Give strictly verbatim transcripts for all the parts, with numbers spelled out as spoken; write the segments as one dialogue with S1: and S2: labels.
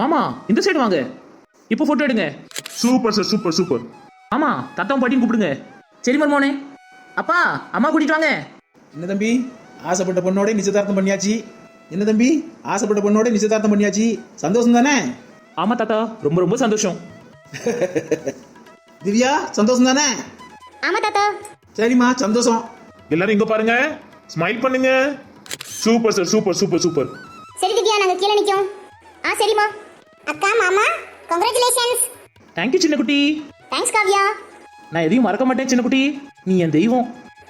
S1: மாமா இந்த சைடு வாங்க. இப்போ போட்டோ எடுங்க.
S2: Super sir, super super.
S1: ஆமா, தத்தாவும் பாட்டியும் கூப்பிடுங்க. சரி மருமோனே. அப்பா அம்மா கூட்டிட்டு வாங்க.
S3: என்ன தம்பி, ஆசைப்பட்ட பொண்ணோட நிச்சயதார்த்தம் பண்ணியாச்சு. என்ன தம்பி, ஆசைப்பட்ட பொண்ணோட நிச்சயதார்த்தம் பண்ணியாச்சு. சந்தோஷம் தானே?
S1: ஆமா தாத்தா, ரொம்ப ரொம்ப சந்தோஷம்.
S3: திவ்யா, சந்தோஷம் தானே?
S4: ஆமா தாத்தா.
S3: சரிம்மா, சந்தோஷம்.
S2: எல்லாரும் இங்க பாருங்க, ஸ்மைல் பண்ணுங்க. Super sir, super super super.
S4: சரி திவ்யா, நாங்க கீழே நிக்கோம். ஆ சரிம்மா. அக்கா மாமா கங்க்ராச்சுலேஷன்ஸ்.
S1: தேங்க்யூ சின்ன குட்டி.
S4: தேங்க்ஸ் காவ்யா.
S1: நான் எதையும் மறக்க மாட்டேன் சின்ன குட்டி, நீ என் தெய்வம்.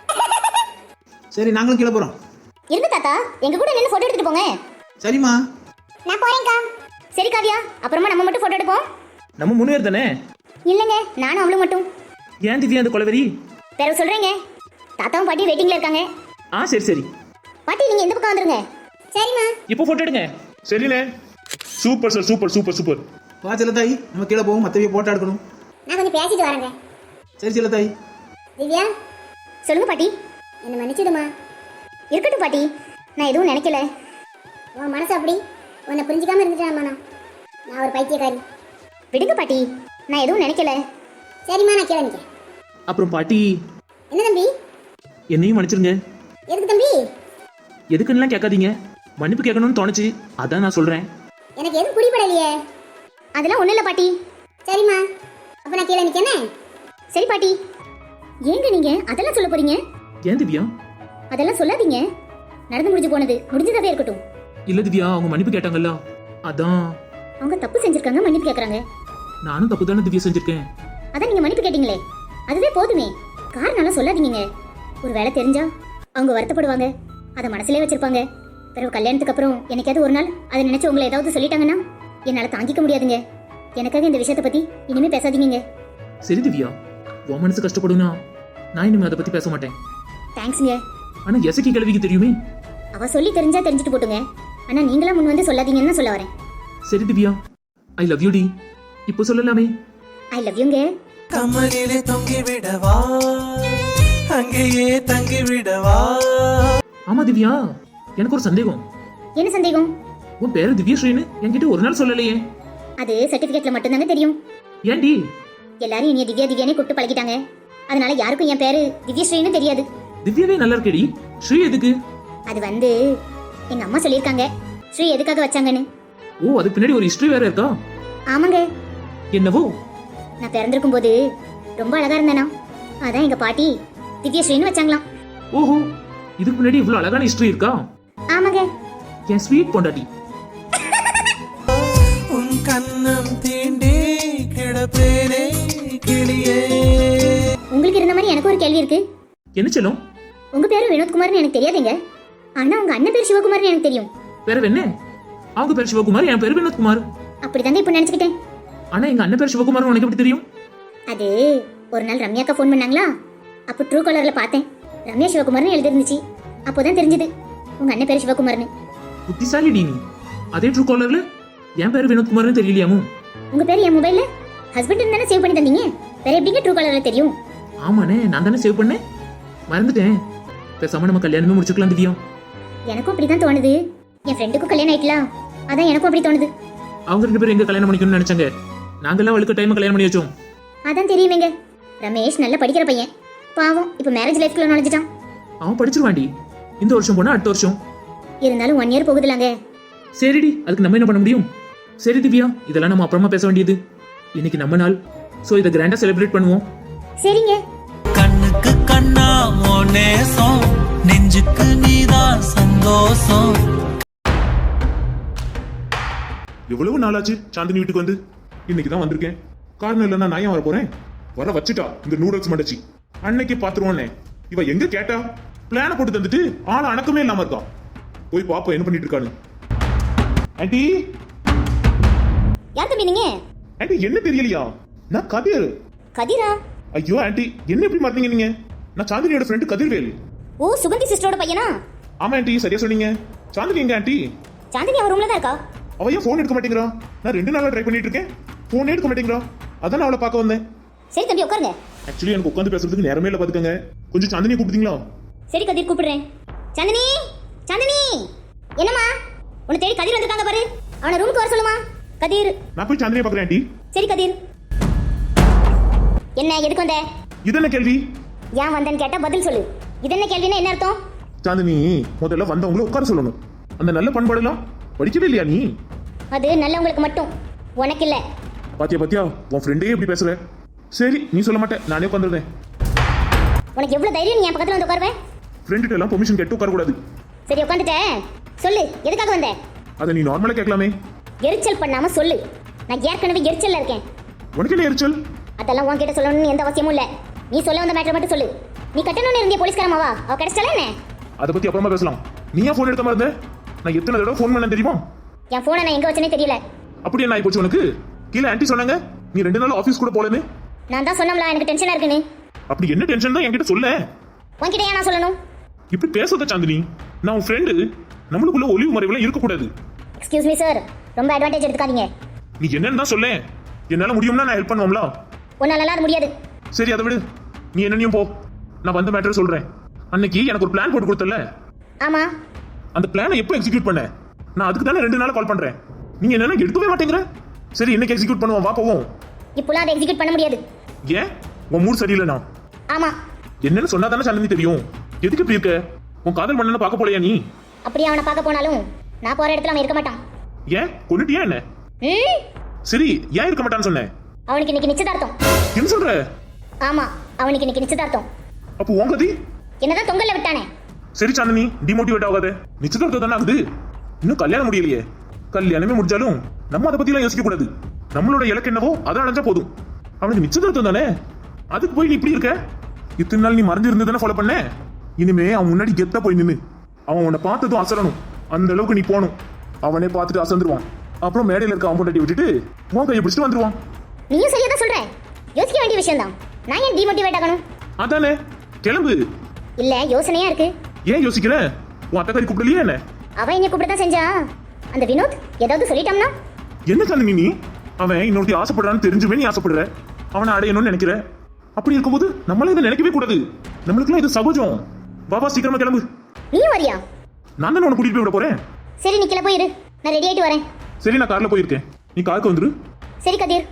S3: சரி, நாங்களும் கீழே போறோம்.
S4: இருந்து தாத்தா, எங்க கூட நின்று போட்டோ எடுத்துட்டு போங்க.
S3: சரிம்மா.
S4: நான் போறேன்க்கா. சரி காவ்யா, அப்புறமா நம்ம மட்டும் போட்டோ எடுப்போம்.
S1: நம்ம மூணு பேர் தானே?
S4: இல்லங்க, நானும் அவளும் மட்டும்.
S1: ஏன் திவ்யா அந்த கொலவெறி?
S4: பிறகு சொல்றேங்க. தாத்தாவும் பாட்டி வெயிட்டிங்ல இருக்காங்க.
S1: ஆ சரி சரி.
S4: பாட்டி நீங்க இந்த பக்கம் வந்துருங்க. சரிம்மா.
S1: இப்போ போட்டோ எடுங்க.
S2: சரிண்ணே. Super sir, super super super.
S3: வா செல்லத்தாய், நம்ம கீழே போவோம். மற்றவிய போட்டோ எடுக்கணும்.
S4: நான் கொஞ்சம் பேசிட்டு வரேங்க.
S3: சரி செல்லத்தாய்.
S4: திவ்யா சொல்லுங்க பாட்டி. என்ன மன்னிச்சிடுமா. இருக்கட்டும் பாட்டி, நான் எதுவும் நினைக்கல. உன் மனசு அப்படி உன்னை புரிஞ்சிக்காம இருந்துட்டேன். நான் நான் ஒரு பைத்தியக்காரி. விடுங்க பாட்டி, நான் எதுவும் நினைக்கல. சரிம்மா, நான் கீழே நிற்கிறேன்.
S1: அப்புறம் பாட்டி,
S4: என்ன தம்பி?
S1: என்னையும் மன்னிச்சிருங்க.
S4: எதுக்கு தம்பி?
S1: எதுக்குன்னுலாம் கேட்காதீங்க, மன்னிப்பு கேட்கணும்னு தோணுச்சு, அதான் நான் சொல்றேன்.
S4: எனக்கு எதுவும் புரியப்படலையே. அதெல்லாம் ஒன்றும் இல்லை பாட்டி. சரிம்மா, அப்போ நான் கீழே நிற்கனே. சரி பாட்டி. ஏங்க நீங்க அதெல்லாம் சொல்ல போறீங்க?
S1: ஏன் திவ்யா?
S4: அதெல்லாம் சொல்லாதீங்க. நடந்து முடிஞ்சு போனது முடிஞ்சதாவே இருக்கட்டும்.
S1: இல்ல திவ்யா, அவங்க மன்னிப்பு கேட்டாங்கல்ல, அதான்.
S4: அவங்க தப்பு செஞ்சிருக்காங்க, மன்னிப்பு கேட்கறாங்க.
S1: நானும் தப்பு தானே திவ்யா செஞ்சிருக்கேன்.
S4: அதான் நீங்க மன்னிப்பு கேட்டீங்களே, அதுவே போதுமே. காரணம்லாம் சொல்லாதீங்க. ஒரு வேலை தெரிஞ்சா அவங்க வருத்தப்படுவாங்க, அதை மனசுலயே வச்சிருப்பாங்க. பிறகு கல்யாணத்துக்கு அப்புறம் என்னைக்காவது ஒரு நாள் அதை நினைச்சு உங்களை ஏதாவது சொல்லிட்டாங்கன்னா என்னால தாங்கிக்க முடியாதுங்க. எனக்காக இந்த விஷயத்தை பத்தி இனிமே பேசாதீங்க.
S1: சரி திவ்யா, உன் மனசு கஷ்டப்படுனா நான் இனிமே அதை பத்தி பேச மாட்டேன்.
S4: தேங்க்ஸ்ங்க.
S1: ஆனா எசக்கி கிழவிக்கு தெரியுமே.
S4: அவ சொல்லி தெரிஞ்சா தெரிஞ்சுட்டு போட்டுங்க. ஆனா நீங்களா முன் வந்து சொல்லாதீங்கன்னு சொல்ல வரேன்.
S1: சரி திவ்யா, ஐ லவ் யூ டி. இப்போ சொல்லலாமே?
S4: ஐ லவ் யூங்க.
S5: கமலிலே தொங்கி விடவா, அங்கேயே தங்கி விடவா.
S1: ஆமா திவ்யா, எனக்கு ஒரு சந்தேகம்.
S4: என்ன சந்தேகம்?
S1: உன் பேரு திவ்யஸ்ரீன்னு என்கிட்ட ஒரு நாள் சொல்லலையே.
S4: அது சர்டிபிகேட்ல மட்டும்தாங்க தெரியும்.
S1: ஏன்டி?
S4: எல்லாரும் இனிய திவ்யா திவ்யானே கூப்பிட்டு பழகிட்டாங்க. அதனால யாருக்கும் என் பேரு திவ்யஸ்ரீன்னு தெரியாது.
S1: திவ்யாவே நல்லா இருக்கேடி, ஸ்ரீ எதுக்கு?
S4: அது வந்து எங்க அம்மா சொல்லியிருக்காங்க ஸ்ரீ எதுக்காக வச்சாங்கன்னு.
S1: ஓ, அதுக்கு பின்னாடி ஒரு ஹிஸ்டரி வேற இருக்கா?
S4: ஆமாங்க.
S1: என்னவோ?
S4: நான் பிறந்திருக்கும் போது ரொம்ப அழகா இருந்தேனா, அதான் எங்க பாட்டி திவ்யஸ்ரீன்னு வச்சாங்களாம்.
S1: ஓஹோ, இதுக்கு முன்னாடி இவ்வளவு அழகான ஹிஸ்டரி இருக்கா?
S4: ஆமாங்க.
S1: என் ஸ்வீட் பொண்டாட்டி.
S5: உன் கண்ணம் தீண்டி கிடப்பேனே கிளியே.
S4: உங்களுக்கு இருந்த மாதிரி எனக்கு ஒரு கேள்வி இருக்கு.
S1: என்ன சொல்லும்?
S4: உங்க பேரு வினோத்குமார்னு எனக்கு தெரியாதுங்க. ஆனா உங்க அண்ணன் பேர் சிவகுமார்னு எனக்கு தெரியும்.
S1: பேரு என்ன? அவங்க பேர் சிவகுமார், என் பேரு வினோத்குமார்.
S4: அப்படிதாங்க இப்ப நினைச்சுக்கிட்டேன்.
S1: ஆனா எங்க அண்ணன் பேர் சிவகுமார் உனக்கு எப்படி தெரியும்?
S4: அது ஒரு நாள் ரம்யாக்கா ஃபோன் பண்ணாங்களா, அப்போ ட்ரூ காலர்ல பார்த்தேன். ரம்யா சிவகுமார்னு எழுதி இருந்துச்சு. அப்போதான் தெரிஞ்சது உங்க அண்ணன் பேர் சிவகுமார்னு.
S1: புத்திசாலி டி நீ. அதே ட்ரூ காலர்ல என் பேரு வினோத்குமார்னு தெரியலையாமோ?
S4: உங்க பேர் என் மொபைல்ல ஹஸ்பண்ட் தானே சேவ் பண்ணி தந்தீங்க, வேற எப்படிங்க ட்ரூ காலர்ல தெரியும்?
S1: ஆமாண்ணே, நான் தானே சேவ் பண்ணேன், மறந்துட்டேன். பேசாம நம்ம கல்யாணமே முடிச்சுக்கலாம் திவ்யா.
S4: எனக்கும் அப்படிதான் தோணுது. என் ஃப்ரெண்டுக்கும் கல்யாணம் ஆயிட்டலாம், அதான் எனக்கும் அப்படி தோணுது.
S1: அவங்க ரெண்டு பேரும் எங்க கல்யாணம் பண்ணிக்கணும்னு நினைச்சாங்க, நாங்கெல்லாம் அவளுக்கு டைம் கல்யாணம் பண்ணி வச்சோம்.
S4: அதான் தெரியுமேங்க. ரமேஷ் நல்லா படிக்கிற பையன், பாவம் இப்ப மேரேஜ் லைஃப்குள்ள நுழைஞ்சிட்டான்.
S1: அவன் படிச்சிருவாண்டி, இந்த வருஷம் போனா அடுத்த வருஷம்.
S4: இருந்தாலும் ஒன் இயர் போகுதுலாங்க.
S1: சரிடி, அதுக்கு நம்ம என்ன பண்ண முடியும்? சரி திவ்யா, இதெல்லாம் நம்ம அப்புறமா பேச வேண்டியது. இன்னைக்கு நம்ம நாள், சோ இதை கிராண்டா செலிப்ரேட் பண்ணுவோம்.
S4: சரிங்க.
S5: கண்ணுக்கு கண்ணா ஓ நேசம், நெஞ்சுக்கு நீதான் சந்தோஷம்.
S2: எவ்வளவு நாளாச்சு சாந்தினி வீட்டுக்கு வந்து? இன்னைக்கு தான் வந்திருக்கேன். காரணம் இல்லைன்னா நான் ஏன் வர போறேன்? வர வச்சுட்டா இந்த நூடுல்ஸ் மண்டச்சி. அன்னைக்கு பாத்துருவோன்னே இவ எங்க கேட்டா பிளான போட்டு தந்துட்டு ஆள அணக்கமே இல்லாம இருக்கா. போய் பாப்போம் என்ன பண்ணிட்டு இருக்கான்னு. ஆண்டி,
S4: யார் தம்பி நீங்க?
S2: ஆண்டி என்ன தெரியலையா? நான் கதிர்.
S4: கதிரா?
S2: ஐயோ ஆண்டி, என்ன எப்படி மாத்தீங்க நீங்க? நான் சாந்தினியோட ஃப்ரெண்ட் கதிர்வேல்.
S4: ஓ, சுகந்தி சிஸ்டரோட பையனா?
S2: ஆமா ஆண்டி, சரியா சொன்னீங்க. சாந்தினி எங்க ஆண்டி?
S4: சாந்தினி அவ ரூம்ல தான் இருக்கா.
S2: அவ ஏன் போன் எடுக்க மாட்டேங்கிறா? நான் ரெண்டு நாளா ட்ரை பண்ணிட்டு இருக்கேன், போனே எடுக்க மாட்டேங்கிறா. அதான் அவளை பார்க்க வந்தேன்.
S4: சரி தம்பி உட்காருங்க.
S2: ஆக்சுவலி எனக்கு உட்காந்து பேசுறதுக்கு நேரமே இல்ல, பாத்துக்கங்க. கொஞ்சம் சாந்தினியை கூப்பிட்டீங்களா?
S4: சரி கதிர் கூப்பிடுறேன். சாந்தினி, சாந்தினி, என்னம்மா? உன்னை தேடி கதிர் வந்திருக்காங்க பாரு, அவனை ரூமுக்கு வர சொல்லுமா. கதிர்.
S2: நான் போய் சாந்தினியை பாக்குறேன் ஆண்டி.
S4: சரி கதிர். என்ன எதுக்கு வந்த?
S2: இது என்ன கேள்வி?
S4: ஏன் வந்தேன்னு கேட்டா பதில் சொல்லு. இது என்ன கேள்வின்னா என்ன அர்த்தம்?
S2: சாந்தினி, முதல்ல வந்தவங்களை உட்கார சொல்லணும். அந்த நல்ல பண்பாடெல்லாம் படிக்கவே இல்லையா நீ?
S4: அது நல்லவங்களுக்கு மட்டும், உனக்கு இல்ல.
S2: பாத்தியா பாத்தியா, உன் ஃப்ரெண்டே எப்படி பேசுற. சரி, நீ சொல்ல மாட்டேன், நானே உட்காந்துருந்தேன்.
S4: உனக்கு எவ்வளவு தைரியம் நீ என் பக்கத்துல வந்து உட்காருவேன்?
S2: ஃப்ரெண்டுகிட்ட எல்லாம் பெர்மிஷன் கேட்டு உட்கார கூடாது.
S4: சரி உட்காந்துட்டேன். சொல்லு எதுக்காக வந்த?
S2: அதை நீ நார்மலா கேட்கலாமே.
S4: எரிச்சல் பண்ணாம சொல்லு. நான் ஏற்கனவே எரிச்சல்ல இருக்கேன்.
S2: உனக்கு என்ன எரிச்சல்?
S4: அதெல்லாம் உன்கிட்ட சொல்லணும்னு எந்த அவசியமும் இல்ல. நீ சொல்ல வந்த மேட்டர் மட்டும் சொல்லு. நீ கட்டணும்னு இருந்திய போலீஸ்காரமாவா? அவ கிடைச்சால என்ன?
S2: அதை பத்தி அப்புறமா பேசலாம். நீயா போன் எடுக்காம இருந்த? நான் எத்தனை தடவை ஃபோன் பண்ண தெரியுமா?
S4: என் போனை நான் எங்க வச்சனே தெரியல.
S2: அப்படி என்ன ஆயிப்போச்சு உனக்கு? கீழே ஆன்ட்டி சொன்னாங்க நீ ரெண்டு நாள் ஆபீஸ் கூட போலன்னு.
S4: நான் தான் சொன்னோம்ல எனக்கு டென்ஷனா இருக்குன்னு.
S2: அப்படி என்ன டென்ஷன் தான் என்கிட்ட சொல்ல.
S4: உன்கிட்ட ஏன் நான் சொல்லணும்?
S2: இப்படி பேசாத சாந்தினி, நான் உன் ஃப்ரெண்டு. நம்மளுக்குள்ள ஒளிவு மறைவுலாம் இருக்கக்கூடாது.
S4: எக்ஸ்கியூஸ் மீ சார், ரொம்ப அட்வான்டேஜ் எடுத்துக்காதீங்க.
S2: நீ என்னன்னு தான் சொல்ல. என்னால முடியும்னா நான் ஹெல்ப் பண்ணுவோம்ல.
S4: உன்னால அது முடியாது.
S2: சரி அதை விடு, நீ என்னன்னையும் போ. நான் வந்த மேட்டர் சொல்றேன். அன்னைக்கு எனக்கு ஒரு பிளான் போட்டு கொடுத்தல,
S4: ஆமா.
S2: அந்த பிளானை எப்போ எக்ஸிக்யூட் பண்ண? நான் அதுக்கு தானே ரெண்டு நாள் கால் பண்றேன். நீங்க என்னன்னா எடுக்கவே மாட்டேங்கிற. சரி இன்னைக்கு எக்ஸிக்யூட் பண்ணுவோம், வா போவோம்.
S4: இப்போலாம் அதை எக்ஸிக்யூட் பண்ண முடியாது.
S2: ஏன்? உன் மூட் சரியில்லைனா?
S4: ஆமா.
S2: என்னன்னு சொன்னா தானே சாந்தினி தெரியும். எதுக்கு இப்படி இருக்க? உன் காதல் மன்னனை பார்க்க போலையா நீ?
S4: அப்படியே அவனை பார்க்க போனாலும் நான் போற இடத்துல அவன் இருக்க மாட்டான்.
S2: ஏன் கொன்னுட்டியா என்ன?
S4: ம்?
S2: சரி ஏன் இருக்க மாட்டான்னு சொன்னேன்?
S4: அவனுக்கு இன்னைக்கு நிச்சயதார்த்தம்.
S2: என்ன சொல்ற?
S4: ஆமா, அவனுக்கு இன்னைக்கு நிச்சயதார்த்தம்.
S2: அப்போ உன் கதி?
S4: என்னதான் தொங்கல்ல விட்டானே.
S2: சரி சாந்தினி, டிமோட்டிவேட் ஆகாத. நிச்சயதார்த்தம் தானே ஆகுது, இன்னும் கல்யாணம் முடியலையே. கல்யாணமே முடிஞ்சாலும் நம்ம அதை பத்தி எல்லாம் யோசிக்க கூடாது. நம்மளோட இலக்கு என்னவோ அதை அடைஞ்சா போதும். அவனுக்கு நிச்சயதார்த்தம் தானே, அதுக்கு போய் நீ இப்படி இருக்க? இத்தனை நாள் நீ மறைஞ்சு இருந்து தானே ஃபாலோ பண்ண. இனிமே அவன் முன்னாடி கெத்தா போய் நின்னு அவன் உன்னை பார்த்ததும் அசரணும். அந்த அளவுக்கு நீ போகணும். அவனே பார்த்துட்டு அசந்துருவான். அப்புறம் மேடையில் இருக்க அவன் பொண்டாட்டி விட்டுட்டு உன் கையை பிடிச்சிட்டு வந்துருவான்.
S4: நீயும் சரியா தான் சொல்ற. யோசிக்க வேண்டிய விஷயம் தான். நான் ஏன் டிமோட்டிவேட் ஆகணும்?
S2: அதானே, கிளம்பு.
S4: இல்ல யோசனையா இருக்கு.
S2: ஏன் யோசிக்கிற? உன் அத்தக்காரி கூப்பிடலையே என்ன?
S4: அவன் என்ன கூப்பிட தான் செஞ்சா. அந்த வினோத் ஏதாவது சொல்லிட்டான்னா?
S2: என்ன சாந்தினி நீ? அவன் இன்னொருத்தி ஆசைப்படுறான்னு தெரிஞ்சுமே நீ ஆசைப்படுற. அவனை அடையணும்னு நினைக்கிற. அப்படி இருக்கும்போது நம்மளால இதை நினைக்கவே கூடாது. நம்மளுக்குலாம் இது சகஜம். பாபா சீக்கிரமா கிளம்பு.
S4: நீயும் வரியா?
S2: நான் தானே உன்னை கூட்டிட்டு போய் விட போறேன்.
S4: சரி நீ கிளம்ப போயிரு, நான் ரெடி ஆயிட்டு வரேன்.
S2: சரி நான் கார்ல போயிருக்கேன், நீ காருக்கு வந்துரு.
S4: சரி கதிர்.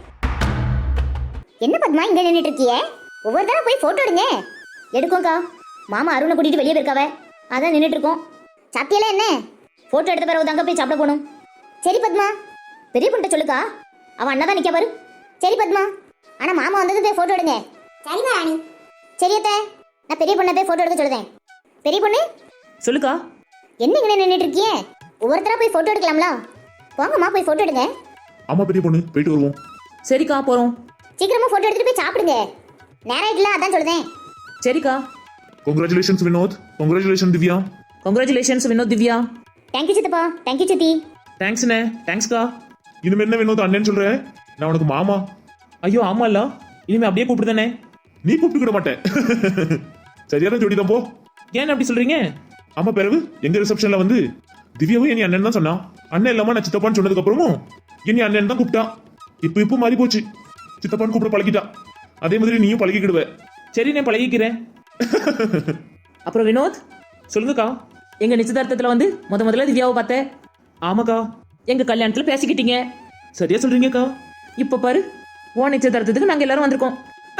S4: என்ன பத்மா இங்க நின்னுட்டு இருக்கியே? ஒவ்வொரு தடவை போய் போட்டோ எடுங்க. எடுக்கோக்கா, மாமா அருணை கூட்டிட்டு வெளியே போயிருக்காவ, அதான் நின்னுட்டு இருக்கோம். சாத்தியெல்லாம் என்ன? போட்டோ எடுத்த பிறகு தாங்க போய் சாப்பிட போகணும். சரி பத்மா, பெரிய பொண்ணு சொல்லுக்கா, அவன் அண்ணா தான் நிக்க பாரு. சரி பத்மா, ஆனா மாமா வந்தது போய் போட்டோ எடுங்க. சரிமா ராணி. சரி அத்தை, நான் பெரிய பொண்ணை போய் போட்டோ எடுக்க சொல்லுதேன். பெரிய பொண்ணு
S1: சொல்லுக்கா.
S4: என்ன இங்கே நின்றுட்டு இருக்கியே? ஒவ்வொருத்தரா போய் போட்டோ எடுக்கலாம்ல? போங்கம்மா போய் போட்டோ எடுங்க.
S2: ஆமா பெரிய பொண்ணு, போயிட்டு வருவோம்.
S1: சரிக்கா போறோம்.
S4: சீக்கிரமா போட்டோ எடுத்துட்டு போய் சாப்பிடுங்க. நேரம் ஆயிட்டுல, அதான் சொல்லுதேன்.
S1: சரிக்கா.
S2: Congratulations Vinod. Congratulation Divya.
S1: Congratulations Vinod Divya.
S4: Thank you சித்தப்பா, தேங்க்யூ சித்தி.
S1: தேங்க்ஸ்ண்ணே. தேங்க்ஸ்க்கா.
S2: இனிமே என்ன வினோத் அண்ணன் சொல்ற? நான் உனக்கு மாமா.
S1: ஐயோ ஆமா இல்ல, இனிமே அப்படியே கூப்பிடுதானே.
S2: நீ கூப்பிட்டுக்கிட மாட்டேன். சரியான ஜோடி தான் போ.
S1: ஏன் அப்படி சொல்றீங்க?
S2: ஆமா, பிறகு எங்க ரிசப்ஷன்ல வந்து திவ்யாவும் என் அண்ணன் தான் சொன்னான். அண்ணன் இல்லாம நான் சித்தப்பான்னு சொன்னதுக்கு அப்புறமும் என் அண்ணன் தான் கூப்பிட்டான். இப்போ இப்போ மாறி போச்சு, சித்தப்பான்னு கூப்பிட பழகிட்டா. அதே மாதிரி நீயும் பழகிக்கிடுவ.
S1: சரி நான் பழகிக்கிறேன். அப்புறம் வினோத் சொல்லுங்கக்கா. எங்க நிச்சயதார்த்தத்துல வந்து முத முதல்ல திவ்யாவை பார்த்தேன். ஆமாக்கா, எங்க கல்யாணத்துல பேசிக்கிட்டீங்க. சரியா சொல்றீங்கக்கா. இப்ப பாரு, உன் நிச்சயதார்த்தத்துக்கு நாங்க எல்லாரும் வந்திருக்கோம்.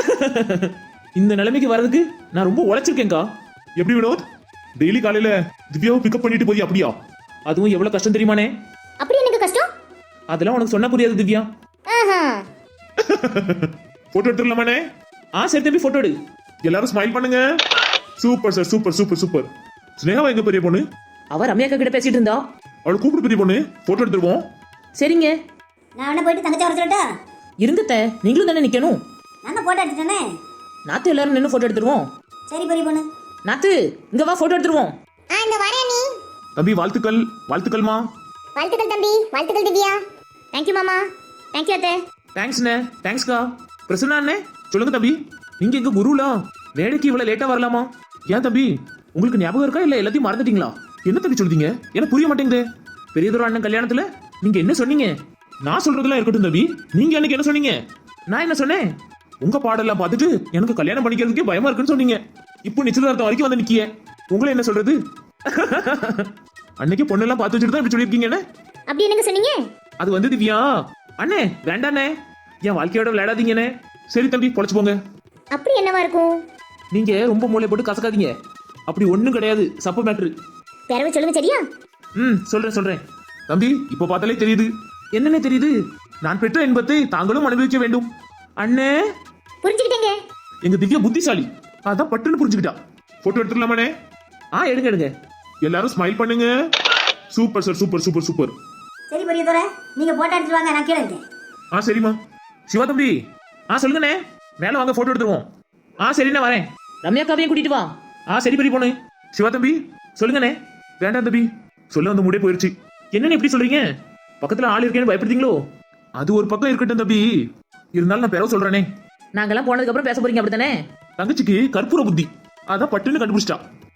S1: இந்த நிலைமைக்கு வர்றதுக்கு நான் ரொம்ப உழைச்சிருக்கேன்க்கா.
S2: எப்படி வினோத், டெய்லி காலையில திவ்யாவை பிக்கப் பண்ணிட்டு போய் அப்படியா?
S1: அதுவும் எவ்வளவு கஷ்டம் தெரியுமானே?
S4: அப்படி எனக்கு கஷ்டம்?
S1: அதெல்லாம் உனக்கு சொன்னா புரியாது திவ்யா.
S4: ஆஹா.
S2: போட்டோ எடுத்துடலாமானே?
S1: ஆ சரி தம்பி, போட்டோ எடு.
S2: எல்லாரும் ஸ்மைல் பண்ணுங்க. Super sir, super super super. ஸ்னேகாவா எங்க பெரிய பொண்ணு?
S1: அவ ரம்யாக்கா கிட்ட பேசிட்டு இருந்தா.
S2: அவளை கூப்பிட்டு பெரிய பொண்ணு, போட்டோ எடுத்துருவோம்.
S1: சரிங்க.
S6: நான் உடனே போயிட்டு தங்கச்சி வர சொல்லட்டா?
S1: இருங்கத்த, நீங்களும் தானே நிக்கணும்.
S6: நான் போட்டோ எடுத்துட்டேனே.
S1: நாத்து எல்லாரும் நின்று போட்டோ எடுத்துருவோம்.
S6: சரி பெரிய பொண்ணு.
S1: நாத்து இங்க வா, போட்டோ எடுத்துருவோம்.
S4: ஆ இந்த வரேன் நீ.
S2: தம்பி வாழ்த்துக்கள். வாழ்த்துக்கள்மா.
S4: வாழ்த்துக்கள் தம்பி, வாழ்த்துக்கள் திவ்யா. தேங்க்யூ மாமா. தேங்க்யூ அத்தை.
S1: தேங்க்ஸ்ண்ணே. தேங்க்ஸ்க்கா. பிரசன்னா அண்ணே சொல்லுங்க தம்பி. நீங்க எங்க குருலா? வேலைக்கு இவ்வளவு லேட்டா வரலாமா? ஏன் தம்பி, உங்களுக்கு ஞாபகம் இருக்கா இல்ல எல்லாத்தையும் மறந்துட்டீங்களா? என்ன தம்பி சொல்றீங்க? எனக்கு புரிய மாட்டேங்குது. பெரியதொரு அண்ணன் கல்யாணத்துல நீங்க என்ன சொன்னீங்க? நான் சொல்றதெல்லாம் இருக்கட்டும் தம்பி, நீங்க எனக்கு என்ன சொன்னீங்க? நான் என்ன சொன்னேன்? உங்க பாடெல்லாம் பார்த்துட்டு எனக்கு கல்யாணம் பண்ணிக்கிறதுக்கே பயமா இருக்குன்னு சொன்னீங்க. இப்போ நிச்சயதார்த்தம் வரைக்கும் வந்து நிக்கிய. உங்களை என்ன சொல்றது? அன்னைக்கு பொண்ணெல்லாம் பார்த்து வச்சுட்டு தான் இப்படி சொல்லியிருக்கீங்க.
S4: அப்படி என்னங்க சொன்னீங்க?
S1: அது வந்து திவ்யா, அண்ணே வேண்டாண்ணே, என் வாழ்க்கையோட விளையாடாதீங்கண்ணே. சரி தம்பி, பொழைச்சு போங்க.
S4: அப்படி என்னவா இருக்கும்?
S1: நீங்க ரொம்ப மூளை போட்டு கசக்காதீங்க. அப்படி ஒண்ணும் கிடையாது, சப்பு மேட்ரு.
S4: பிறவு சொல்லுங்க சரியா?
S1: ம் சொல்றேன் சொல்றேன்.
S2: தம்பி இப்ப பார்த்தாலே தெரியுது.
S1: என்னண்ணே தெரியுது? நான் பெற்ற இன்பத்தை தாங்களும் அனுபவிக்க வேண்டும். அண்ணே,
S4: புரிஞ்சுக்கிட்டேங்க.
S1: எங்க திவ்யா புத்திசாலி, அதான் பட்டுன்னு புரிஞ்சுக்கிட்டா.
S2: போட்டோ எடுத்துடலாமாண்ணே?
S1: ஆ எடுங்க எடுங்க.
S2: எல்லாரும் ஸ்மைல் பண்ணுங்க. Super sir, super super super.
S6: சரி பெரிய துறை, நீங்க போட்டோ எடுத்துட்டு வாங்க, நான் கீழே இருக்கேன்.
S2: ஆ சரிம்மா.
S1: சிவா தம்பி, ஆ சொல்லுங்கண்ணே. மேல வாங்க, போட்டோ எடுத்துருவோம். ஆ சரிண்ணே வரேன். ரம்யா காவையும் கூட்டிட்டு வா. ஆ சரி பெரிய பொண்ணு. சிவா தம்பி சொல்லுங்கண்ணே.
S2: வேண்டாம் தம்பி, சொல்ல வந்து முடிய போயிருச்சு.
S1: என்னன்னு எப்படி சொல்றீங்க? பக்கத்துல ஆள் இருக்கேன்னு பயப்படுறீங்களோ?
S2: அது ஒரு பக்கம் இருக்கட்டும் தம்பி, இருந்தாலும் நான் பிறகு சொல்றேனே.
S1: நாங்கெல்லாம் போனதுக்கு அப்புறம் பேச போறீங்க அப்படித்தானே?
S2: தங்கச்சிக்கு கற்பூர புத்தி, அதான் பட்டுன்னு கண்டுபிடிச்சிட்டா.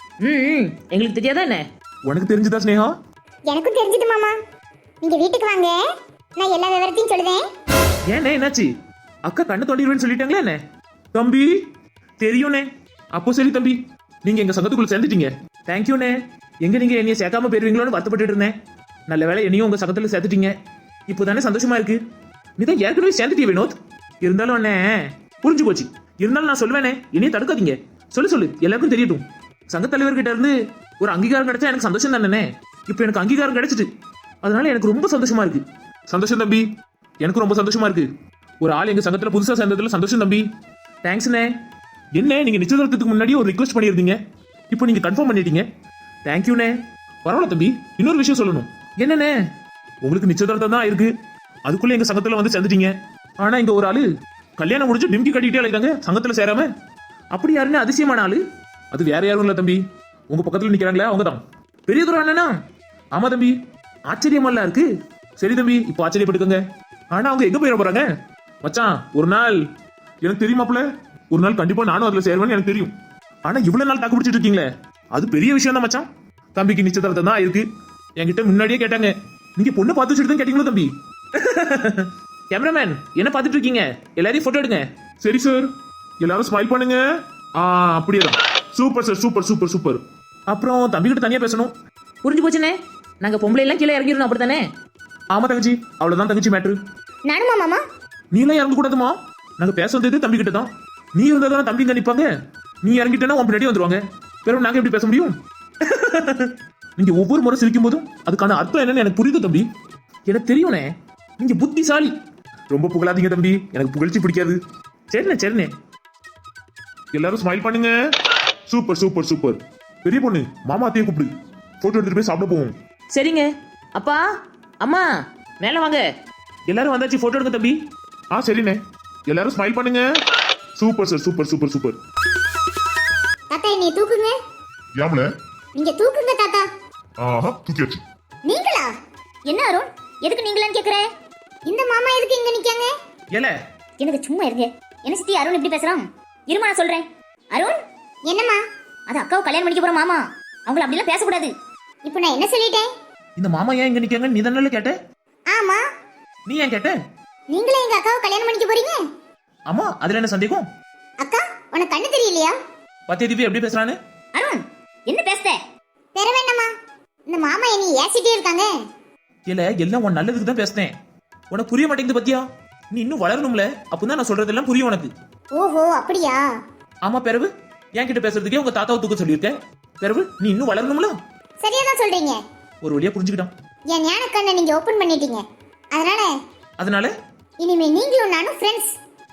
S1: ம் எங்களுக்கு தெரியாதா என்ன?
S2: உனக்கு தெரிஞ்சுதா ஸ்னேகா?
S4: எனக்கும் தெரிஞ்சது மாமா. நீங்க வீட்டுக்கு வாங்க, நான் எல்லா விவரத்தையும் சொல்லுவேன்.
S1: ஏண்ணே என்னாச்சு? அக்கா கண்ணு தோண்டிடுவேன்னு சொல்லிட்டாங்களே என்ன?
S2: தம்பி
S1: தெரியும்ண்ணே.
S2: அப்போ சரி தம்பி, நீங்க எங்க சங்கத்துக்குள்ள சேர்ந்துட்டீங்க.
S1: தேங்க்யூண்ணே. எங்க நீங்க என்னைய சேர்க்காம போயிருவீங்களோன்னு வருத்தப்பட்டு இருந்தேன். நல்ல வேலை என்னையும் உங்க சங்கத்துல சேர்த்துட்டீங்க. இப்போதானே சந்தோஷமா இருக்கு. நீ தான் ஏற்கனவே சேர்ந்துட்டீங்க வினோத். இருந்தாலும் அண்ணே புரிஞ்சு போச்சு. இருந்தாலும் நான் சொல்லுவேனே, என்னையும் தடுக்காதீங்க. சொல்லு சொல்லு, எல்லாருக்கும் தெரியட்டும். சங்க தலைவர்கிட்ட இருந்து ஒரு அங்கீகாரம் கிடைச்சா எனக்கு சந்தோஷம் தானே. இப்போ எனக்கு அங்கீகாரம் கிடைச்சிட்டு, அதனால எனக்கு ரொம்ப சந்தோஷமா இருக்கு.
S2: சந்தோஷம் தம்பி, எனக்கு ரொம்ப சந்தோஷமா இருக்கு. ஒரு ஆள் எங்க சங்கத்துல புதுசா சேர்ந்ததுல சந்தோஷம் தம்பி.
S1: தேங்க்ஸ்ண்ணே.
S2: என்ன நீங்க நிச்சயதார்த்தத்துக்கு முன்னாடியே ஒரு ரிக்வெஸ்ட் பண்ணியிருந்தீங்க, இப்போ நீங்க கன்ஃபார்ம் பண்ணிட்டீங்க.
S1: தேங்க்யூண்ணே.
S2: பரவாயில்ல தம்பி, இன்னொரு விஷயம் சொல்லணும்.
S1: என்னண்ணே?
S2: உங்களுக்கு நிச்சயதார்த்தம் தான் இருக்கு, அதுக்குள்ள எங்க சங்கத்துல வந்து சேர்ந்துட்டீங்க. ஆனா இங்க ஒரு ஆளு கல்யாணம் முடிச்சு டிம்கி கட்டிக்கிட்டே அழைக்காங்க சங்கத்துல சேராம.
S1: அப்படி யாருன்னு அதிசயமான ஆளு?
S2: அது வேற யாரும் இல்ல தம்பி, உங்க பக்கத்துல நிக்கிறாங்களே அவங்க தான்.
S1: பெரிய தூரம் அண்ணனா?
S2: ஆமா தம்பி.
S1: ஆச்சரியமால இருக்கு.
S2: சரி தம்பி, இப்போ ஆச்சரியப்பட்டுக்கோங்க. ஆனா அவங்க எங்க போயிட போறாங்க? மச்சான் ஒரு நாள் எனக்கு தெரியுமாப்ல, ஒரு நாள் கண்டிப்பா நானும் அதுல சேருவேன்னு எனக்கு தெரியும். ஆனா இவ்வளவு நாள் தாக்கு பிடிச்சிட்டு இருக்கீங்களே, அது பெரிய விஷயம் தான் மச்சான். தம்பிக்கு நிச்சயதார்த்தம் தான் இருக்கு. என்கிட்ட முன்னாடியே கேட்டாங்க, நீங்க பொண்ணு பார்த்து வச்சுட்டு தான் கேட்டீங்களோ தம்பி?
S1: கேமராமேன் என்ன பார்த்துட்டு இருக்கீங்க? எல்லாரையும் போட்டோ எடுங்க.
S2: சரி சார், எல்லாரும் ஸ்மைல் பண்ணுங்க. ஆ அப்படியே தான். Super sir, super super super.
S1: அப்புறம் தம்பி கிட்ட தனியா பேசணும். புரிஞ்சு போச்சுனே. நாங்க பொம்பளை எல்லாம் கீழே இறங்கிடணும் அப்படித்தானே?
S2: ஆமா தங்கச்சி, அவ்வளவுதான் தங்கச்சி மேட்ரு.
S4: நானுமா மாமா?
S2: நீ எல்லாம் இறங்க கூடாதுமா. நாங்க பேச வந்தது தம்பி கிட்ட தான். நீ இருந்தா தானே தம்பி இங்க நிப்பாங்க. நீ இறங்கிட்டேன்னா உன் பின்னாடி வந்துருவாங்க. பிறகு நாங்க எப்படி பேச முடியும்? நீங்க ஒவ்வொரு முறை சிரிக்கும் போதும் அதுக்கான அர்த்தம் என்னன்னு எனக்கு புரியுது தம்பி.
S1: எனக்கு தெரியும்ண்ணே, நீங்க புத்திசாலி.
S2: ரொம்ப புகழாதீங்க தம்பி, எனக்கு புகழ்ச்சி பிடிக்காது.
S1: சரிண்ணே சரிண்ணே.
S2: எல்லாரும் ஸ்மைல் பண்ணுங்க. Super super super. பெரிய பொண்ணு மாமா அத்தையை கூப்பிடு, போட்டோ எடுத்துட்டு போய் சாப்பிட போவோம்.
S1: சரிங்க. அப்பா அம்மா மேல வாங்க. எல்லாரும் வந்தாச்சு, போட்டோ எடுங்க தம்பி.
S2: ஆ சரிண்ணே, எல்லாரும் ஸ்மைல் பண்ணுங்க. Super sir, super super super.
S4: தாத்தா என்னைய தூக்குங்க.
S2: யாமல
S4: நீங்க தூக்குங்க தாத்தா.
S2: ஆஹா தூக்கியாச்சு.
S4: நீங்களா? என்ன அருண், எதுக்கு நீங்களான்னு கேக்குற? இந்த மாமா எதுக்கு இங்க நிக்காங்க?
S1: ஏல
S4: எனக்கு சும்மா இருங்க. என்ன சித்தி அருண் இப்படி பேசுறான்? இருமா நான் சொல்றேன். அருண் என்னம்மா? அது அக்காவை கல்யாணம் பண்ணிக்க போற மாமா, அவங்கள அப்படிலாம் பேசக்கூடாது. இப்போ நான் என்ன சொல்லிட்டேன்?
S1: இந்த மாமா ஏன் இங்க நிக்காங்க நீ தானே கேட்ட?
S4: ஆமா.
S1: நீ ஏன் கேட்ட?
S4: நீங்களே எங்க அக்காவை கல்யாணம் பண்ணிக்க போறீங்க?
S1: ஆமா, அதுல என்ன சந்தேகம்?
S4: அக்கா உனக்கு கண்ணு தெரியலையா?
S1: பத்திய திவ்யா எப்படி பேசுறானு?
S4: அருண் என்ன பேசுற? பெற வேண்டாமா? இந்த மாமா என்னை ஏசிட்டே இருக்காங்க.
S1: இல்ல எல்லாம் உன் நல்லதுக்கு தான் பேசுனேன். உனக்கு புரிய மாட்டேங்குது பத்தியா? நீ இன்னும் வளரணும்ல, அப்பதான் நான் சொல்றதெல்லாம் புரியும் உனக்கு.
S4: ஓஹோ அப்படியா?
S1: ஆமா பிறவு, என் கிட்ட பேசுறதுக்கே உங்க தாத்தாவை தூக்க சொல்லியிருக்க. பிறவு நீ இன்னும் வளரணும்ல.
S4: சரியா தான் சொல்றீங்க.
S1: ஒரு வழியா புரிஞ்சுக்கிட்டான்.
S4: என் ஞான கண்ணை நீங்க ஓபன் பண்ணிட்டீங்க. அதனால
S1: அதனால
S4: இனிமே நீங்களும் நானும் ஃப்ரெண்ட்ஸ்.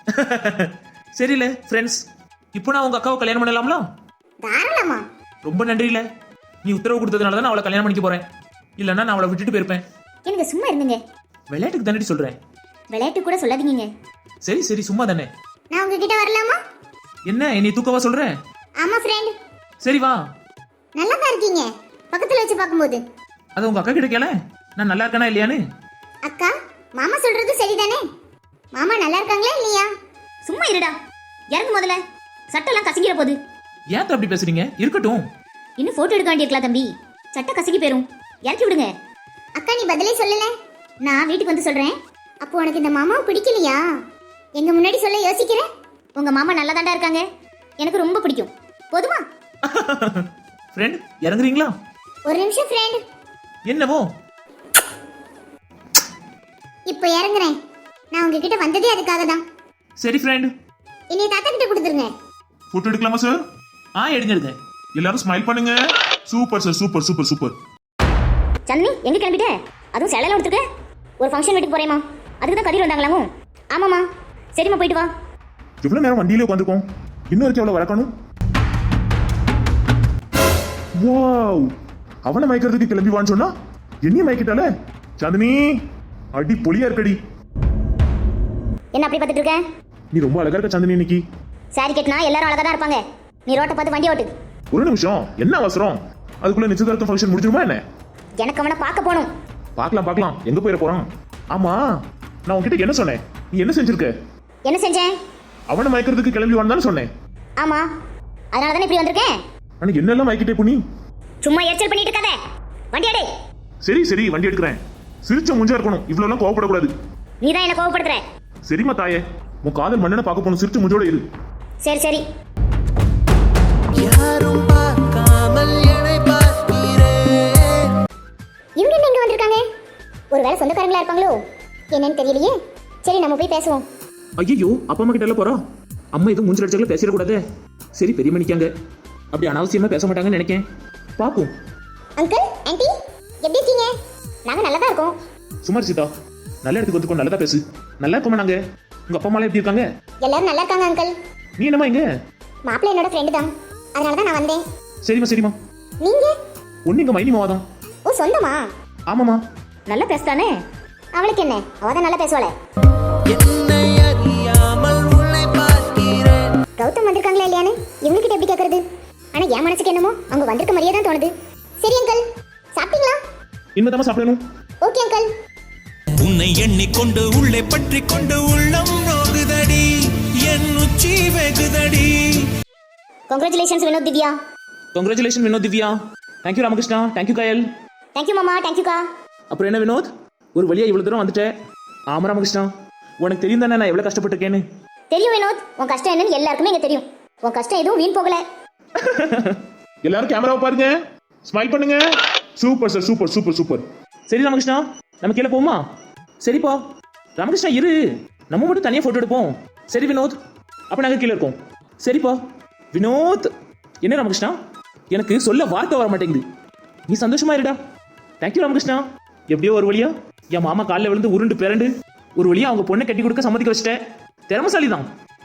S1: சரியில்ல ஃப்ரெண்ட்ஸ். இப்போ நான் உங்க அக்காவை கல்யாணம் பண்ணலாம்ல?
S4: தாராளமா.
S1: ரொம்ப நன்றி. இல்ல நீ உத்தரவு கொடுத்ததுனால தான் நான் அவளை கல்யாணம் பண்ணிக்க போறேன். இல்லன்னா நான் அவளை விட்டுட்டு போயிருப்பேன்.
S4: எனக்கு சும்மா இருந்துங்க.
S1: விளையாட்டுக்கு தானடி சொல்றேன்.
S4: விளையாட்டு கூட சொல்லாதீங்க.
S1: சரி சரி சும்மா தானே.
S4: நான் உங்ககிட்ட வரலாமா?
S1: என்ன என்னை தூக்கவா சொல்ற?
S4: ஆமா ஃப்ரெண்ட்.
S1: சரி வா.
S4: நல்லா தான் இருக்கீங்க பக்கத்துல வச்சு பார்க்கும்போது.
S1: அது உங்க அக்கா கிட்ட கேள, நான் நல்லா இருக்கேனா இல்லையான்னு.
S4: அக்கா மாமா சொல்றது சரிதானே? மாமா நல்லா இருக்காங்களா இல்லையா? சும்மா இருடா. இறங்கு முதல்ல, சட்டெல்லாம் கசங்கிற போகுது.
S1: ஏன் அப்படி பேசுறீங்க? இருக்கட்டும்.
S4: இன்னும் போட்டோ எடுக்க வேண்டியிருக்கலாம் தம்பி, சட்டை கசக்கி போயிரும். இறக்கி விடுங்க. அக்கா நீ பதிலே சொல்லல, நான் வீட்டுக்கு வந்து சொல்றேன். அப்போ உனக்கு இந்த மாமாவை பிடிக்கலையா? எங்க முன்னாடி சொல்ல யோசிக்கிற? உங்க மாமா நல்லா தாண்டா இருக்காங்க, எனக்கு ரொம்ப பிடிக்கும். போதுமா?
S1: ஃப்ரெண்ட் இறங்குறீங்களா?
S4: ஒரு நிமிஷம் ஃப்ரெண்ட்.
S1: என்னவோ?
S4: இப்போ இறங்குறேன். நான் உங்ககிட்ட வந்ததே அதுக்காக தான்.
S1: சரி ஃப்ரெண்ட்.
S4: என்னைய தாத்தா கிட்ட கொடுத்துருங்க.
S2: போட்டோ எடுக்கலாமா சார்?
S1: ஆ எடுங்க எடுங்க.
S2: எல்லாரும் ஸ்மைல் பண்ணுங்க. Super sir, super super super.
S4: Chandini எங்க கிளம்பிட்ட? அதுவும் சேலையில எடுத்துக்க. ஒரு ஃபங்க்ஷன் வீட்டுக்கு போறேமா. அதுக்கு தான் கதிர் வந்தாங்களாமோ? ஆமாமா. சரிம்மா போயிட்டு வா.
S2: எவ்வளவு நேரம் வண்டியிலே உட்காந்துருக்கோம், இன்னும் வரைக்கும் எவ்வளவு வரக்கணும். வாவ், அவனை மயக்கிறதுக்கு கிளம்பி வான்னு சொன்னா என்னையும் மயக்கிட்டால. சாந்தினி அடி பொலியா இருக்கடி.
S4: என்ன அப்படி பார்த்துட்டு இருக்க?
S2: நீ ரொம்ப அழகா இருக்க சாந்தினி இன்னைக்கு.
S4: சாரி கட்டினா எல்லாரும் அழகா தான் இருப்பாங்க. நீ ரோட்டை பார்த்து வண்டி ஓட்டு.
S2: ஒரு நிமிஷம், என்ன அவசரம்? அதுக்குள்ள நிச்சயதார்த்தம் ஃபங்க்ஷன் முடிஞ்சிருமா என்ன?
S4: எனக்கு அவனை பார்க்க போகணும்.
S2: பார்க்கலாம் பார்க்கலாம், எங்க போயிட போறான்? ஆமா, நான் உன்கிட்ட என்ன சொன்னேன்? நீ என்ன செஞ்சிருக்க?
S4: என்ன செஞ்சேன்?
S2: அவனை மயக்கிறதுக்கு கிளம்பி வான்னு சொன்னேன்.
S4: ஆமா, அதனால தானே இப்படி வந்திருக்கேன்.
S2: ஆனா என்னெல்லாம் மயக்கிட்டே புனி.
S4: சும்மா எரிச்சல் பண்ணிட்டு இருக்காத. வண்டி எடு.
S2: சரி சரி, வண்டி எடுக்கிறேன். சிரிச்ச முஞ்சா இருக்கணும், இவ்வளவு எல்லாம் கோவப்படக்கூடாது.
S4: நீ தான் என்ன கோவப்படுத்துற.
S2: சரிம்மா தாயே, உன் காதல் மன்னனை பார்க்க போகணும், சிரிச்ச முஞ்சோட இரு.
S4: சரி சரி.
S5: யாரும் பார்க்காமல் என்னை பார்க்கிறேன்.
S4: இவங்க என்ன இங்க வந்திருக்காங்க? ஒருவேளை சொந்தக்காரங்களா இருப்பாங்களோ என்னன்னு தெரியலையே. சரி நம்ம போய் பேசுவோம்.
S1: ஐயோ, அப்பா அம்மா கிட்ட எல்லாம் போறா. அம்மா எதுவும் மூஞ்சில் அடிச்சாங்களா பேசிடக்கூடாது. சரி பெரியம்மா நிக்காங்க, அப்படி அனாவசியமா பேச மாட்டாங்கன்னு நினைக்கேன். பாப்போம்.
S4: அங்கிள் ஆன்ட்டி எப்படி இருக்கீங்க? நாங்க நல்லா தான் இருக்கோம்.
S1: சுமார் சீதா, நல்ல இடத்துக்கு வந்துக்கோ, நல்லதா பேசு. நல்லா இருக்கோமா நாங்க. உங்க அப்பா அம்மா எப்படி இருக்காங்க?
S4: எல்லாரும் நல்லா இருக்காங்க அங்கிள்.
S1: நீ என்னம்மா இங்க?
S4: மாப்பிள்ளை என்னோட ஃப்ரெண்டு தான், அதனால தான் நான் வந்தேன்.
S1: சரிம்மா சரிம்மா.
S4: நீங்க?
S1: ஒண்ணு இங்க மைனி மாவாதான்.
S4: ஓ சொந்தமா?
S1: ஆமாமா.
S4: நல்லா பேசுதானே? அவளுக்கு என்ன, அவ தான் நல்லா பேசுவாளே.
S5: என்னை அறியாமல் உன்னை பார்க்கிறேன்.
S4: கௌதம் வந்திருக்காங்களா இல்லையான்னு இவங்ககிட்ட எப்படி கேட்கறது? ஆனா என் மனசுக்கு என்னமோ அவங்க வந்திருக்க மாதிரியே தான் தோணுது. சரி அங்கிள், சாப்பிட்டீங்களா?
S1: இனிமேதான் சாப்பிடணும்.
S4: Okay uncle.
S5: உன்னை எண்ணிக்கொண்டு உள்ளே பற்றி கொண்டு உள்ளம் நோகுதடி, என் உச்சி வெகுதடி.
S4: Congratulations Vinod Divya.
S1: Congratulation Vinod Divya. Thank you Ramakrishna, thank you Kayal.
S4: Thank you மாமா, தேங்க்யூக்கா.
S1: அப்புறம் என்ன வினோத், ஒரு வழியா இவ்வளவு தூரம் வந்துட்டேன். ஆமா ராமகிருஷ்ணா, உனக்கு தெரியும் தானே நான் எவ்வளவு கஷ்டப்பட்டிருக்கேன்னு.
S4: தெரியும் வினோத், உன் கஷ்டம் என்னன்னு எல்லாருக்குமே இங்க தெரியும். உன் கஷ்டம் எதுவும் வீண் போகல.
S2: எல்லாரும் கேமராவை பாருங்க, ஸ்மைல் பண்ணுங்க. Super sir, super super super.
S1: சரி ராமகிருஷ்ணா, நம்ம கீழே போமா? சரிப்பா. ராமகிருஷ்ணா இரு, நம்ம மட்டும் தனியா போட்டோ எடுப்போம். சரி வினோத், அப்ப நாங்க கீழே இருக்கோம். சரிப்பா. வினோத், என்ன ராமகிருஷ்ணா, எனக்கு சொல்ல வார்த்தை வர மாட்டேங்குது. நீ சந்தோஷமா இருடா. தேங்க்யூ ராமகிருஷ்ணா. எப்படியோ ஒரு வழியா என் மாமா காலில் விழுந்து உருண்டு பிறண்டு ஒரு வழியா அவங்க பொண்ணை கட்டி கொடுக்க சம்மதிக்க வச்சிட்டேன். திறமசாலி தான்.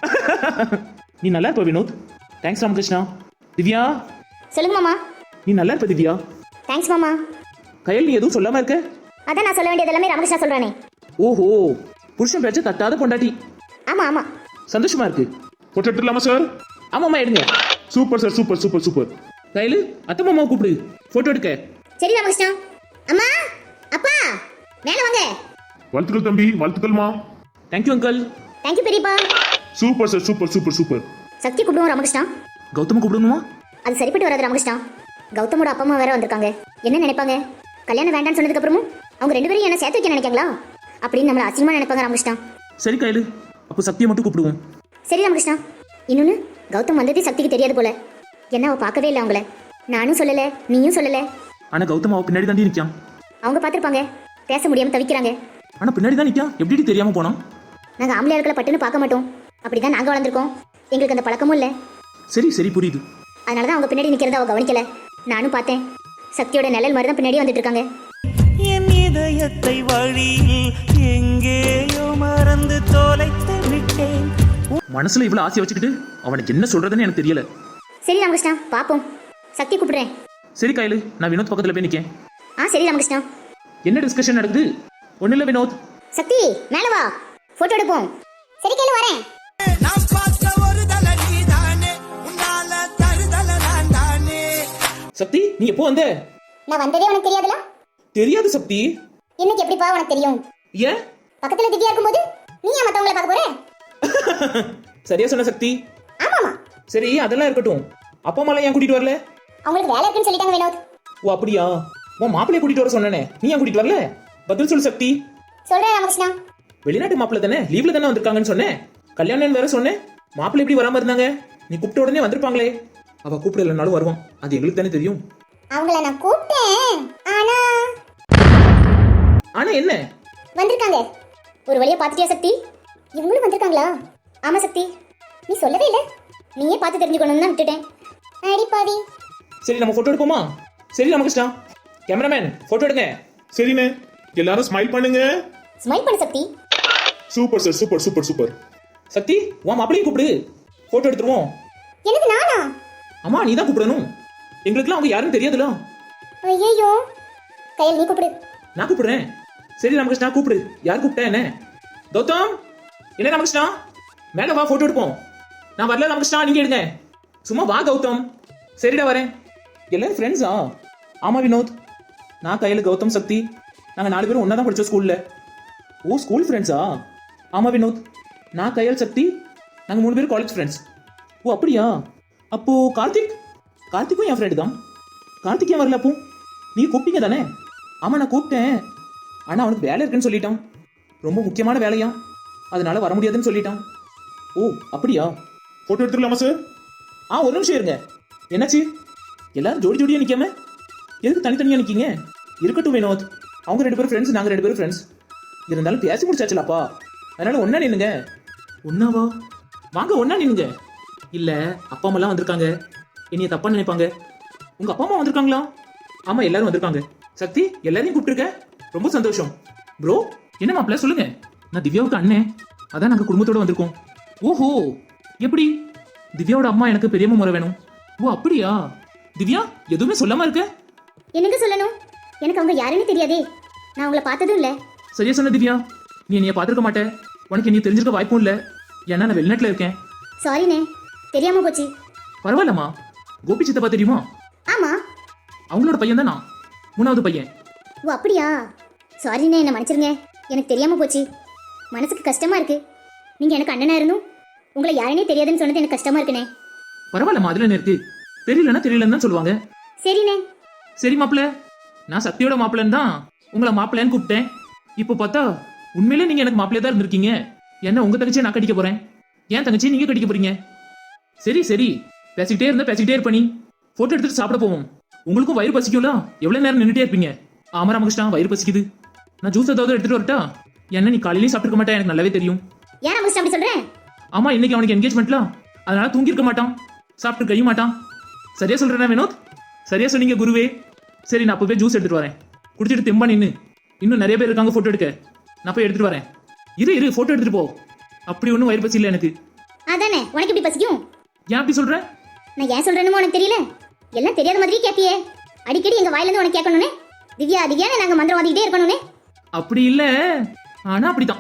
S1: நீ நல்லா இருப்ப வினோத். தேங்க்ஸ் ராமகிருஷ்ணா. திவ்யா.
S4: சொல்லுங்க மாமா.
S1: நீ நல்லா இருப்ப திவ்யா.
S4: தேங்க்ஸ் மாமா.
S1: கயல், நீ எதுவும் சொல்லாம இருக்க?
S4: அதான் நான் சொல்ல வேண்டியது எல்லாமே ராமகிருஷ்ணா சொல்றானே.
S1: ஓஹோ, புருஷன் பேச்ச தட்டாத பொண்டாட்டி.
S4: ஆமா ஆமா.
S1: சந்தோஷமா இருக்கு.
S2: போட்டோ எடுத்துலாமா சார்?
S1: ஆமாம்மா எடுங்க.
S2: Super sir, super super super.
S1: கயலு, அத்தை மாமாவை கூப்பிடு போட்டோ எடுக்க.
S4: சரி ராமகிருஷ்ணா. அம்மா, அப்பா, மேல வாங்க.
S2: வாழ்த்துக்கள் தம்பி, வாழ்த்துக்கள்மா.
S1: Thank you uncle.
S4: தேங்க்யூ பெரியப்பா.
S2: Super sir, super super super.
S4: Shakti கூப்பிடுவோம் ராமகிருஷ்ணா.
S1: கௌதம கூப்பிடணுமா?
S4: அது சரிப்பட்டு வராது ராமகிருஷ்ணா. கௌதமோட அப்பா அம்மா வேற வந்திருக்காங்க. என்ன நினைப்பாங்க? கல்யாணம் வேண்டாம்னு சொன்னதுக்கு அப்புறமும் அவங்க ரெண்டு பேரும் என்ன சேர்த்து வைக்க நினைக்காங்களா அப்படின்னு நம்மள அசிங்கமா நினைப்பாங்க ராமகிருஷ்ணா.
S1: சரி கயலு, அப்போ சக்தியை மட்டும் கூப்பிடுவோம்.
S4: சரி ராமகிருஷ்ணா. இன்னொன்னு, கௌதம் வந்ததே சக்திக்கு தெரியாது போல. என்ன அவ பார்க்கவே இல்லை அவங்கள. நானும் சொல்லல, நீயும் சொல்லல.
S1: ஆனா கௌதம் அவ பின்னாடி தாண்டி நிக்கான்.
S4: அவங்க பார்த்துருப்பாங்க, பேச முடியாம தவிக்கிறாங்க.
S1: ஆனா பின்னாடி தான் நிக்கான், எப்படி தெரியாம போனான்?
S4: நாங்க ஆம்பளை ஆட்களை பட்டுன்னு பார்க்க மாட்டோம். அப்படிதான் நாங்க வளர்ந்துருக்கோம். எங்களுக்கு அந்த பழக்கமும் இல்லை.
S1: சரி சரி புரியுது.
S4: அதனாலதான் அவங்க பின்னாடி நிக்கிறத அவ கவனிக்கல. நானும் பார்த்தேன். சக்தியோட நிழல் மாதிரி தான் பின்னாடி வந்துட்டு இருக்காங்க.
S5: என் இதயத்தை வழியில் எங்கேயோ மறந்து தொலைத்து விட்டேன்.
S1: மனசுல இவ்வளவு ஆசையை வச்சுக்கிட்டு அவனுக்கு என்ன சொல்றதுன்னு எனக்கு தெரியல.
S4: சரி ராமகிருஷ்ணா, பாப்போம். சக்தி கூப்பிடுறேன்.
S1: சரி கயலு, நான் வினோத் பக்கத்துல போய் நிக்கேன்.
S4: ஆ சரி ராமகிருஷ்ணா.
S1: என்ன டிஸ்கஷன் நடக்குது? ஒண்ணு இல்ல வினோத்.
S4: சக்தி மேல வா, போட்டோ எடுப்போம். சரி கேளு, வரேன்.
S5: நான் பார்த்த ஒரு தல நீதானே, உன்னால தருதல நான் தானே.
S1: சக்தி, நீ எப்போ வந்த?
S4: நான் வந்ததே உனக்கு தெரியாதுல?
S1: தெரியாது சக்தி.
S4: இன்னைக்கு எப்படிப்பா உனக்கு தெரியும்?
S1: ஏன்?
S4: பக்கத்துல திவ்யா இருக்கும்போது நீ ஏன் மத்தவங்கள பார்க்க போற?
S1: சரியா சொன்ன சக்தி.
S4: ஆமாமா.
S1: சரி அதெல்லாம் இருக்கட்டும், அப்பா அம்மா ஏன் கூட்டிட்டு வரல?
S4: அவங்களுக்கு வேலை இருக்குன்னு சொல்லிட்டாங்க வினோத்.
S1: ஓ அப்படியா? உன் மாப்பிள்ளைய கூட்டிட்டு வர சொன்னேனே, நீ ஏன் கூட்டிட்டு வரல? பதில் சொல்லு சக்தி.
S4: சொல்றேன் ராமகிருஷ்ணா.
S1: வெளிநாட்டு மாப்பிள்ளை தானே, லீவ்ல தானே வந்திருக்காங்கன்னு சொன்னேன். கல்யாணம் வேற சொன்னேன். மாப்பிள்ளை எப்படி வராம இருந்தாங்க? நீ கூப்பிட்ட உடனே வந்திருப்பாங்களே. அவ கூப்பிடலனாலும் வருவான், அது எங்களுக்கு தானே தெரியும்.
S4: அவங்கள நான் கூப்பிட்டேன், ஆனா
S1: ஆனா என்ன?
S4: வந்திருக்காங்க. ஒரு வழியா பார்த்துட்டியா சக்தி? இவங்களும் வந்திருக்காங்களா? ஆமா சக்தி, நீ சொல்லவே இல்லை. நீயே பார்த்து தெரிஞ்சுக்கணும்னு தான் விட்டுட்டேன். அடி பாவி.
S1: சரி நம்ம போட்டோ எடுப்போமா? சரி ராமகிருஷ்ணா, கேமராமேன் போட்டோ எடுங்க.
S2: சரிண்ணே, எல்லாரும் ஸ்மைல் பண்ணுங்க.
S4: ஸ்மைல் பண்ணு Shakti.
S2: Super sir, super super super.
S1: Shakti, உன் மாப்பிளையும் கூப்பிடு, போட்டோ எடுத்துருவோம்.
S4: எனக்கு நானா?
S1: அம்மா நீ தான் கூப்பிடணும், எங்களுக்குலாம் அவங்க யாருன்னு தெரியாதுல.
S4: ஐயோ, கையில் நீ கூப்பிடு.
S1: நான் கூப்பிடுறேன். சரி ராமகிருஷ்ணா கூப்பிடு. யார் கூப்பிட்டா என்ன? கௌதம், என்ன ராமகிருஷ்ணா, மேல வா போட்டோ எடுப்போம். நான் வரல ராமகிருஷ்ணா, நீங்க எடுங்க. சும்மா வா கௌதம். சரிடா வரேன். எல்லாரும் ஃப்ரெண்ட்ஸா? ஆமா வினோத், நான் கையில் கௌதம் சக்தி நாங்கள் நாலு பேரும் ஒன்றா தான் படித்தோம் ஸ்கூலில். ஓ ஸ்கூல் ஃப்ரெண்ட்ஸா? ஆமா வினோத், நான் கையால் சக்தி நாங்கள் மூணு பேரும் காலேஜ் ஃப்ரெண்ட்ஸ். ஓ அப்படியா? அப்போ கார்த்திக்? கார்த்திக்கும் என் ஃப்ரெண்டு தான். கார்த்திக் ஏன் வரல அப்போ? நீ கூப்பிட்டீங்க தானே? ஆமாம் நான் கூப்பிட்டேன், ஆனால் அவனுக்கு வேலை இருக்குன்னு சொல்லிட்டான். ரொம்ப முக்கியமான வேலையா, அதனால வர முடியாதுன்னு சொல்லிட்டான். ஓ அப்படியா?
S2: Photo எடுத்துடலாமா sir?
S1: ஆ ஒரு நிமிஷம் இருங்க. என்னாச்சு? எல்லாரும் ஜோடி ஜோடியா நிக்காம எதுக்கு தனித்தனியா நிக்கீங்க? இருக்கட்டும் வினோத், அவங்க ரெண்டு பேரும் ஃப்ரெண்ட்ஸ், நாங்க ரெண்டு பேரும் ஃப்ரெண்ட்ஸ். இருந்தாலும் பேசி முடிச்சாச்சுலாப்பா, அதனால ஒன்னா நின்னுங்க. ஒன்னாவா? வாங்க ஒன்னா நின்னுங்க. இல்ல அப்பா அம்மா எல்லாம் வந்திருக்காங்க, என்னைய தப்பா நினைப்பாங்க. உங்க அப்பா அம்மா வந்திருக்காங்களா? ஆமா எல்லாரும் வந்திருக்காங்க. சக்தி எல்லாரையும் கூப்பிட்டுருக்க, ரொம்ப சந்தோஷம். ப்ரோ என்ன மாப்பிள்ள சொல்லுங்க. நான் திவ்யாவுக்கு அண்ணன், அதான் நாங்க குடும்பத்தோட வந்திருக்கோம். ஓஹோ எப்படி? திவ்யாவோட அம்மா எனக்கு பெரியம்மா முறை வேணும். ஓ அப்படியா? திவ்யா எதுவுமே சொல்லாம இருக்க?
S4: என்னங்க சொல்லணும்? எனக்கு அவங்க யாருன்னு தெரியாதே. நான் உங்களை பார்த்ததும் இல்லை.
S1: சரியா சொன்ன திவ்யா, நீ என்னைய பார்த்துருக்க மாட்டே, உனக்கு என்னைய தெரிஞ்சிருக்க வாய்ப்பும் இல்லை. ஏன்னா நான் வெளிநாட்டில் இருக்கேன்.
S4: சாரிண்ணே, தெரியாம போச்சு.
S1: பரவாயில்லம்மா. கோபி சித்தப்பா தெரியுமா?
S4: ஆமா.
S1: அவங்களோட பையன் தான் நான், மூணாவது பையன்.
S4: ஓ அப்படியா? சாரிண்ணே, என்ன மன்னிச்சிருங்க, எனக்கு தெரியாம போச்சு. மனசுக்கு கஷ்டமா இருக்கு. நீங்க எனக்கு அண்ணனா இருந்தும் உங்களை யாருன்னே தெரியாதுன்னு சொன்னது எனக்கு கஷ்டமா இருக்குண்ணே.
S1: பரவாயில்லம்மா, அதுல என்ன இருக்கு? தெரியலன்னா தெரியலன்னு தான் சொல்லுவாங்க.
S4: சரிண்ணே.
S1: சரி மாப்பிள்ள, நான் சக்தியோட மாப்பிள்ளன்னு தான் உங்களை மாப்பிள்ளைன்னு கூப்பிட்டேன். இப்போ பார்த்தா உண்மையிலே நீங்க எனக்கு மாப்பிள்ளையா தான் இருந்திருக்கீங்க. என்ன உங்க தங்கச்சியை நான் கட்டிக்க போறேன், ஏன் தங்கச்சியை நீங்க கட்டிக்க போறீங்க. சரி சரி, பேசிக்கிட்டே இருந்தா பேசிக்கிட்டே இருப்ப. நீ போட்டோ எடுத்துட்டு சாப்பிட போவோம். உங்களுக்கும் வயிறு பசிக்கும்ல, எவ்வளவு நேரம் நின்றுட்டே இருப்பீங்க. ஆமா ராமகிருஷ்ணா, வயிறு பசிக்குது. நான் ஜூஸ் ஏதாவது எடுத்துட்டு வரட்டா? என்ன நீ காலையிலையும் சாப்பிட்டுருக்க மாட்டேன், எனக்கு நல்லாவே தெரியும்.
S4: ஏன் ராமகிருஷ்ணா அப்படி சொல்றேன்?
S1: ஆமா இன்னைக்கு அவனுக்கு என்கேஜ்மெண்ட்ல, அதனால தூங்கி இருக்க மாட்டான், சாப்பிட்டு கழிய மாட்டான். சரியா சொல்றேன் வினோத்? சரியா சொன்னீங்க குருவே. சரி நான் அப்பவே ஜூஸ் எடுத்துட்டு வரேன், குடிச்சிட்டு தெம்பா நின்னு. இன்னும் நிறைய பேர் இருக்காங்க போட்டோ எடுக்க, நான் போய் எடுத்துட்டு வரேன். இரு இரு போட்டோ எடுத்துட்டு போ. அப்படி ஒன்றும் வயிறு பசி இல்லை எனக்கு.
S4: அதானே, உனக்கு எப்படி பசிக்கும்?
S1: ஏன் அப்படி சொல்ற?
S4: நான் ஏன் சொல்றேன்னு உனக்கு தெரியல. எல்லாம் தெரியாத மாதிரி கேட்பியே. அடிக்கடி எங்க வாயில இருந்து உனக்கு கேட்கணுனே. திவ்யா திவ்யான்னு நாங்க மந்திரம் வாதிக்கிட்டே இருக்கணுனே.
S1: அப்படி இல்ல, ஆனா அப்படிதான்.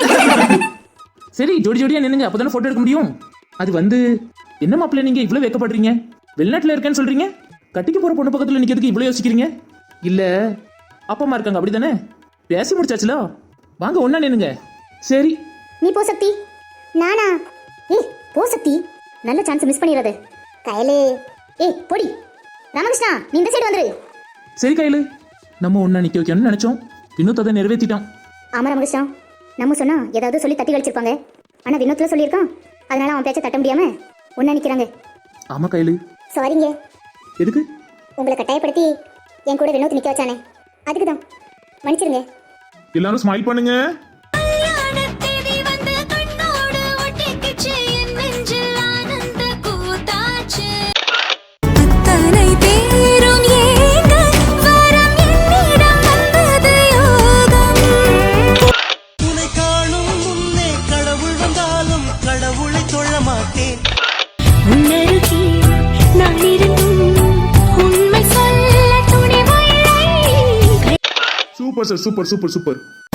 S1: சரி ஜோடி ஜோடியா நின்னுங்க, அப்பதானே போட்டோ எடுக்க முடியும். அது வந்து என்ன மாப்பிள்ள, நீங்க இவ்வளவு வைக்கப்படுறீங்க? வெளிநாட்டுல இருக்கேன்னு சொல்றீங்க, கட்டிக்க போற பொண்ணு பக்கத்துல நிக்கிறதுக்கு இவ்வளவு யோசிக்கிறீங்க? இல்ல அப்பா அம்மா இருக்காங்க அப்படிதானே? பேசி முடிச்சாச்சுல, வாங்க ஒன்னா நின்னுங்க. சரி
S4: நீ போ சக்தி. நானா? ஏய் போ சக்தி, நல்ல சான்ஸ் மிஸ் பண்ணிடாத. கையிலே ஏய் பொடி. ராமகிருஷ்ணா நீ இந்த சைடு வந்துரு.
S1: சரி கையில, நம்ம ஒன்னா நிக்க வைக்கணும்னு நினைச்சோம், வினோத் அதை நிறைவேற்றிட்டான்.
S4: ஆமா ராமகிருஷ்ணா, நம்ம சொன்னா ஏதாவது சொல்லி தட்டி கழிச்சிருப்பாங்க. ஆனா வினோத்ல சொல்லியிருக்கான், அதனால அவன் பேச்ச தட்ட முடியாம ஒன்னா நிக்கிறாங்க.
S1: ஆமா கையில.
S4: சாரிங்க.
S1: எதுக்கு?
S4: உங்களை கட்டாயப்படுத்தி என் கூட வினோத் நிக்க வச்சானே, அதுக்கு தான். மன்னிச்சிருங்க.
S2: எல்லாரும் ஸ்மைல் பண்ணுங்க.
S5: உன்னை காணும் முன்னே கடவுள் வந்தாலும் கடவுளை தொழ மாட்டேன்.
S2: Super sir, super super super.